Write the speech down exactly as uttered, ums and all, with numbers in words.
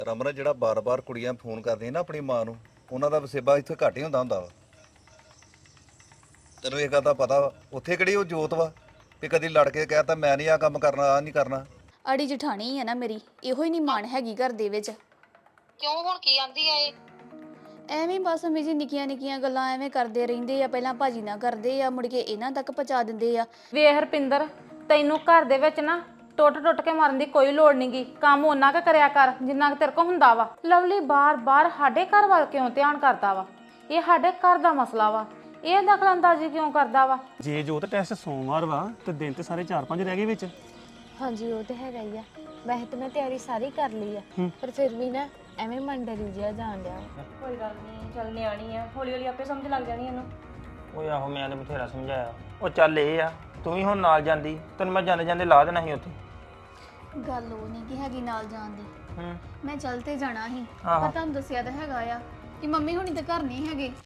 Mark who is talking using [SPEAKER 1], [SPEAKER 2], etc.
[SPEAKER 1] ਰਮਨ ਜਿਹੜਾ ਬਾਰ-ਬਾਰ ਕੁੜੀਆਂ ਫੋਨ ਕਰਦੀਆਂ ਨਾ ਆਪਣੀ ਮਾਂ ਨੂੰ, ਉਹਨਾਂ ਦਾ ਵਸੇਬਾ ਇੱਥੇ ਘੱਟ ਹੀ ਹੁੰਦਾ ਹੁੰਦਾ ਵਾ। ਤੈਨੂੰ ਇਹ ਗੱਲ ਦਾ ਪਤਾ ਵਾ, ਉੱਥੇ ਕਿਹੜੀ ਉਹ ਜੋਤ ਵਾ ਕਿ ਕਦੀ ਲੜ ਕੇ ਕਹਿਤਾ ਮੈਂ ਨਹੀਂ ਆ ਕੰਮ ਕਰਨਾ, ਆ ਨਹੀਂ ਕਰਨਾ।
[SPEAKER 2] ਅੜੀ ਜਠਾਣੀ ਹੈ ਨਾ ਮੇਰੀ, ਇਹੋ ਹੀ ਨਹੀਂ ਮਾਣ ਹੈਗੀ ਘਰ ਦੇ ਵਿੱਚ।
[SPEAKER 3] ਕਿਉਂ ਹੁਣ ਕੀ ਆਂਦੀ ਆ ਇਹ?
[SPEAKER 2] ਐਵੇਂ ਬਸ ਅਮੀ ਜੀ ਨਿੱਕੀਆਂ ਨਿੱਕੀਆਂ ਗੱਲਾਂ ਐਵੇਂ ਕਰਦੇ ਰਹਿੰਦੇ ਆ। ਪਹਿਲਾਂ ਭਾਜੀ ਨਾਲ ਕਰਦੇ ਆ, ਮੁੜ ਕੇ ਇਹਨਾਂ ਤੱਕ ਪਹੁੰਚਾ ਦਿੰਦੇ ਆ।
[SPEAKER 4] ਵੇਖ ਹਰਪਿੰਦਰ, ਤੈਨੂੰ ਘਰ ਦੇ ਵਿੱਚ ਨਾ ਟੁੱਟ ਟੁੱਟ ਕੇ ਮਰਨ ਦੀ ਕੋਈ ਲੋੜ ਨਹੀਂਗੀ। ਕੰਮ ਉਹਨਾਂ ਕੁ ਕਰਿਆ ਕਰ ਜਿੰਨਾ ਕੁ ਤੇਰੇ ਕੋਲ ਹੁੰਦਾ ਵਾ। ਲਵਲੀ ਬਾਰ-ਬਾਰ ਸਾਡੇ ਘਰ ਵੱਲ ਕਿਉਂ ਧਿਆਨ ਕਰਦਾ ਵਾ? ਇਹ ਸਾਡੇ ਘਰ ਦਾ ਮਸਲਾ ਵਾ, ਇਹ ਦਖਲਅੰਦਾਜ਼ੀ ਕਿਉਂ ਕਰਦਾ ਵਾ?
[SPEAKER 5] ਜੇ ਜੋਤ ਟੈਸਟ ਸੋਮਵਾਰ ਵਾ ਤੇ ਦਿਨ ਤੇ ਸਾਰੇ ਚਾਰ ਪੰਜ ਰਹਿ ਗਏ ਵਿੱਚ।
[SPEAKER 6] ਹਾਂਜੀ ਉਹ ਤੇ ਹੈਗਾ ਹੀ ਆ। ਵੈਸੇ ਤਾਂ ਮੈਂ ਤਿਆਰੀ ਸਾਰੀ ਕਰ ਲਈ ਆ, ਪਰ ਫਿਰ ਵੀ ਨਾ ਐਵੇਂ ਮਨ ਡਰੀ ਜਿਹਾ ਜਾਣ ਡਿਆ।
[SPEAKER 7] ਕੋਈ ਗੱਲ ਨਹੀਂ, ਚੱਲ ਨਿਆਣੀ ਆ, ਹੌਲੀ ਹੌਲੀ ਆਪੇ ਸਮਝ ਲੱਗ ਜਾਣੀ ਇਹਨੂੰ।
[SPEAKER 8] ਓਏ ਆਹੋ ਮੈਂ ਤਾਂ ਬਥੇਰਾ ਸਮਝਾਇਆ। ਉਹ ਚੱਲ ਇਹ ਆ, ਤੂੰ ਵੀ ਹੁਣ ਨਾਲ ਜਾਂਦੀ, ਤੈਨੂੰ ਮੈਂ ਜਾਂਦੇ ਜਾਂਦੇ ਲਾ ਦੇਣਾ ਸੀ ਉੱਥੇ।
[SPEAKER 2] ਗੱਲ ਉਹ ਨਹੀਂ ਕਿ ਹੈਗੀ ਨਾਲ ਜਾਣ ਦੀ,
[SPEAKER 8] ਹੂੰ
[SPEAKER 2] ਮੈਂ ਚੱਲ ਤੇ ਜਾਣਾ ਸੀ।
[SPEAKER 8] ਆਹੋ।
[SPEAKER 2] ਪਰ ਤੁਹਾਨੂੰ ਦੱਸਿਆ ਤਾਂ ਹੈਗਾ ਆ ਕਿ ਮੰਮੀ ਹੁਣੀ ਤਾਂ ਘਰ ਨਹੀਂ ਹੈਗੇ।